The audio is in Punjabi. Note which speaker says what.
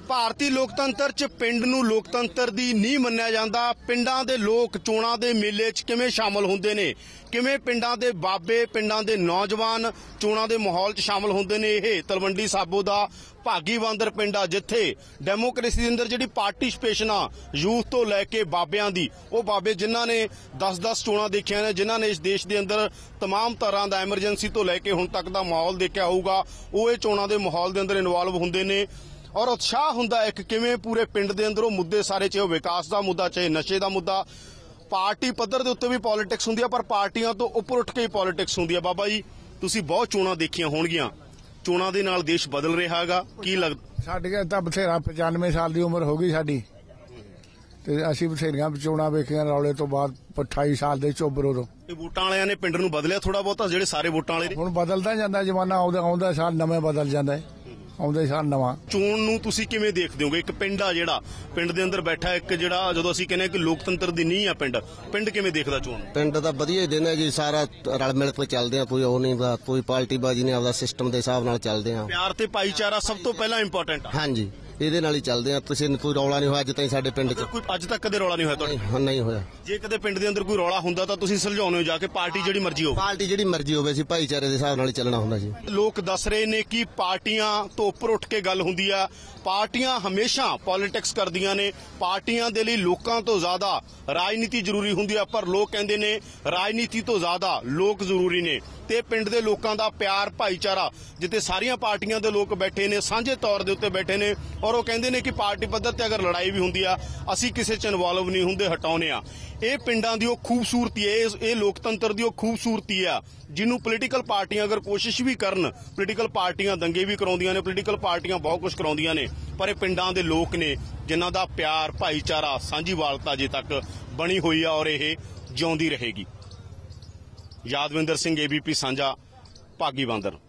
Speaker 1: ਭਾਰਤੀ ਲੋਕਤੰਤਰ 'ਚ ਪਿੰਡ ਨੂੰ ਲੋਕਤੰਤਰ ਦੀ ਨੀਂਹ ਮੰਨਿਆ ਜਾਂਦਾ। ਪਿੰਡਾਂ ਦੇ ਲੋਕ ਚੋਣਾਂ ਦੇ ਮੇਲੇ 'ਚ ਕਿਵੇਂ ਸ਼ਾਮਲ ਹੁੰਦੇ ਨੇ, ਕਿਵੇਂ ਪਿੰਡਾਂ ਦੇ ਬਾਬੇ, ਪਿੰਡਾਂ ਦੇ ਨੌਜਵਾਨ ਚੋਣਾਂ ਦੇ ਮਾਹੌਲ 'ਚ ਸ਼ਾਮਲ ਹੁੰਦੇ ਨੇ। ਇਹ ਤਲਵੰਡੀ ਸਾਬੋ ਦਾ ਭਾਗੀ ਬਾਂਦਰ ਪਿੰਡ ਆ, ਜਿੱਥੇ ਡੈਮੋਕ੍ਰੇਸੀ ਦੇ ਅੰਦਰ ਜਿਹੜੀ ਪਾਰਟਿਸਪੇਸ਼ਨ ਆ ਯੂਥ ਤੋਂ ਲੈ ਕੇ ਬਾਬਿਆਂ ਦੀ, ਉਹ ਬਾਬੇ ਜਿਨ੍ਹਾਂ ਨੇ 10-10 ਚੋਣਾਂ ਦੇਖੀਆਂ ਨੇ, ਜਿਨ੍ਹਾਂ ਨੇ ਇਸ ਦੇਸ਼ ਦੇ ਅੰਦਰ तमाम ਤਰ੍ਹਾਂ ਦਾ ਐਮਰਜੈਂਸੀ ਤੋਂ ਲੈ ਕੇ ਹੁਣ ਤੱਕ ਦਾ ਮਾਹੌਲ ਦੇਖਿਆ ਹੋਊਗਾ, ਉਹ ਇਹ ਚੋਣਾਂ ਦੇ ਮਾਹੌਲ ਦੇ ਅੰਦਰ ਇਨਵੋਲਵ ਹੁੰਦੇ ਨੇ। ਔਰ ਉਤਸ਼ਾਹ ਹੁੰਦਾ ਇੱਕ ਕਿਵੇਂ ਪੂਰੇ ਪਿੰਡ ਦੇ ਅੰਦਰ ਉਹ ਮੁੱਦੇ ਸਾਰੇ, ਚਾਹੇ ਵਿਕਾਸ ਦਾ ਮੁੱਦਾ, ਚਾਹੇ ਨਸ਼ੇ ਦਾ ਮੁੱਦਾ, ਪਾਰਟੀ ਪੱਧਰ ਦੇ ਉੱਤੇ ਵੀ ਪੋਲਿਟਿਕਸ ਹੁੰਦੀ ਆ, ਪਰ ਪਾਰਟੀਆਂ ਤੋਂ ਉੱਪਰ ਉੱਠ ਕੇ ਹੀ ਪੋਲਿਟਿਕਸ ਹੁੰਦੀ ਆ। ਬਾਬਾ ਜੀ, ਤੁਸੀਂ ਬਹੁਤ ਚੋਣਾਂ ਦੇਖੀਆਂ ਹੋਣਗੀਆਂ, ਚੋਣਾਂ ਦੇ ਨਾਲ ਦੇਸ਼ ਬਦਲ ਰਿਹਾ ਹੈਗਾ, ਕੀ ਲੱਗਦਾ?
Speaker 2: ਸਾਡੀ ਤਾਂ ਬਥੇਰਾ 95 ਸਾਲ ਦੀ ਉਮਰ ਹੋ ਗਈ ਸਾਡੀ, ਤੇ ਅਸੀਂ ਬਥੇਰੀਆਂ ਚੋਣਾਂ ਵੇਖੀਆਂ। ਰੌਲੇ ਤੋਂ ਬਾਅਦ 28 ਸਾਲ ਦੇ ਚੋਬਰੋਂ ਤੋਂ
Speaker 1: ਇਹ ਵੋਟਾਂ ਵਾਲਿਆਂ ਨੇ ਪਿੰਡ ਨੂੰ ਬਦਲਿਆ ਥੋੜਾ ਬਹੁਤਾ, ਜਿਹੜੇ ਸਾਰੇ ਵੋਟਾਂ ਵਾਲੇ ਨੇ।
Speaker 2: ਹੁਣ ਬਦਲਦਾ ਜਾਂਦਾ ਜਮਾਨਾ, ਆਉਂਦਾ ਸਾਲ ਨਵੇਂ ਬਦਲ ਜਾਂਦਾ ਹੈ, ਆਉਂਦਾ ਸਾਲ ਨਵਾਂ।
Speaker 1: ਚੋਣ ਨੂੰ ਤੁਸੀਂ ਕਿਵੇਂ ਦੇਖਦੇ ਹੋਗੇ? ਇੱਕ ਪਿੰਡ ਆ ਜਿਹੜਾ ਪਿੰਡ ਦੇ ਅੰਦਰ ਬੈਠਾ, ਇੱਕ ਜਿਹੜਾ ਜਦੋਂ ਅਸੀਂ ਕਹਿੰਦੇ ਕਿ ਲੋਕਤੰਤਰ ਦੀ ਨੀਂਹ ਆ ਪਿੰਡ ਕਿਵੇਂ ਦੇਖਦਾ ਚੋਣ?
Speaker 3: ਪਿੰਡ ਤਾਂ ਵਧੀਆ ਹੀ ਦਿਨ ਹੈ ਜੀ, ਸਾਰਾ ਰਲ ਮਿਲ ਕੇ ਚੱਲਦੇ ਆ, ਕੋਈ ਉਹ ਨਹੀਂ, ਕੋਈ ਪਾਰਟੀ ਬਾਜੀ ਨਹੀਂ, ਆਪਦਾ ਸਿਸਟਮ ਦੇ ਹਿਸਾਬ ਨਾਲ ਚੱਲਦੇ ਆ।
Speaker 1: ਪਿਆਰ ਤੇ ਭਾਈਚਾਰਾ ਸਭ ਤੋਂ ਪਹਿਲਾਂ ਇੰਪੋਰਟੈਂਟ ਆ।
Speaker 3: ਹਾਂਜੀ, ਇਹਦੇ ਨਾਲ ਹੀ ਚੱਲਦੇ ਆ। ਤੁਸੀਂ ਕੋਈ ਰੌਲਾ ਨਹੀਂ ਹੋਇਆ ਅੱਜ ਤਾਈਂ ਸਾਡੇ ਪਿੰਡ 'ਚ?
Speaker 1: ਕੋਈ ਅੱਜ ਤੱਕ ਕਦੇ ਰੌਲਾ ਨਹੀਂ ਹੋਇਆ ਤੁਹਾਡੇ?
Speaker 3: ਨਹੀਂ ਹੋਇਆ।
Speaker 1: ਜੇ ਕਦੇ ਪਿੰਡ ਦੇ ਅੰਦਰ ਕੋਈ ਰੌਲਾ ਹੁੰਦਾ ਤਾਂ ਤੁਸੀਂ ਸੁਲਝਾਉਂਦੇ ਹੋ ਜਾ ਕੇ, ਪਾਰਟੀ ਜਿਹੜੀ ਮਰਜ਼ੀ ਹੋਵੇ?
Speaker 3: ਪਾਰਟੀ ਜਿਹੜੀ ਮਰਜ਼ੀ ਹੋਵੇ, ਅਸੀਂ ਭਾਈਚਾਰੇ ਦੇ ਹਿਸਾਬ ਨਾਲ ਹੀ ਚੱਲਣਾ ਹੁੰਦਾ ਜੀ।
Speaker 1: ਲੋਕ ਦੱਸ ਰਹੇ ਨੇ ਕਿ ਪਾਰਟੀਆਂ ਤੋਂ ਉੱਪਰ ਉੱਠ ਕੇ ਗੱਲ ਹੁੰਦੀ ਆ। ਪਾਰਟੀਆਂ ਹਮੇਸ਼ਾ ਪੋਲਿਟਿਕਸ ਕਰਦੀਆਂ ਨੇ, ਪਾਰਟੀਆਂ ਦੇ ਲਈ ਲੋਕਾਂ ਤੋਂ ਜ਼ਿਆਦਾ ਰਾਜਨੀਤੀ ਜ਼ਰੂਰੀ ਹੁੰਦੀ ਆ, ਪਰ ਲੋਕ ਕਹਿੰਦੇ ਨੇ ਰਾਜਨੀਤੀ ਤੋਂ ਜ਼ਿਆਦਾ ਲੋਕ ਜ਼ਰੂਰੀ ਨੇ। ਤੇ ਪਿੰਡ ਦੇ ਲੋਕਾਂ ਦਾ ਪਿਆਰ, ਭਾਈਚਾਰਾ, ਜਿੱਥੇ ਸਾਰੀਆਂ ਪਾਰਟੀਆਂ ਦੇ ਲੋਕ ਬੈਠੇ ਨੇ, ਸਾਂਝੇ ਤੌਰ ਦੇ ਉੱਤੇ ਬੈਠੇ ਨੇ, ਔਰ ਉਹ ਕਹਿੰਦੇ ਨੇ ਕਿ ਪਾਰਟੀ ਪੱਧਰ ਤੇ ਅਗਰ ਲੜਾਈ ਵੀ ਹੁੰਦੀ ਆ, ਅਸੀਂ ਕਿਸੇ 'ਚ ਇਨਵੋਲਵ ਨਹੀਂ ਹੁੰਦੇ, ਹਟਾਉਨੇ ਆ। ਇਹ ਪਿੰਡਾਂ ਦੀ ਉਹ ਖੂਬਸੂਰਤੀ ਹੈ, ਇਹ ਲੋਕਤੰਤਰ ਦੀ ਉਹ ਖੂਬਸੂਰਤੀ ਆ, ਜਿਹਨੂੰ ਪੋਲੀਟੀਕਲ ਪਾਰਟੀਆਂ ਅਗਰ ਕੋਸ਼ਿਸ਼ ਵੀ ਕਰਨ, ਪੋਲੀਟੀਕਲ ਪਾਰਟੀਆਂ ਦੰਗੇ ਵੀ ਕਰਾਉਂਦੀਆਂ ਨੇ, ਪੋਲੀਟੀਕਲ ਪਾਰਟੀਆਂ ਬਹੁਤ ਕੁਝ ਕਰਾਉਂਦੀਆਂ ਨੇ, ਪਰ ਇਹ ਪਿੰਡਾਂ ਦੇ ਲੋਕ ਨੇ ਜਿਨ੍ਹਾਂ ਦਾ ਪਿਆਰ, ਭਾਈਚਾਰਾ, ਸਾਂਝੀਵਾਲਤਾ ਅਜੇ ਤੱਕ ਬਣੀ ਹੋਈ ਆ, ਔਰ ਇਹ ਜਿਉਂਦੀ ਰਹੇਗੀ। ਯਾਦਵਿੰਦਰ ਸਿੰਘ, ABP ਸਾਂਝਾ, ਭਾਗੀ ਬਾਂਦਰ।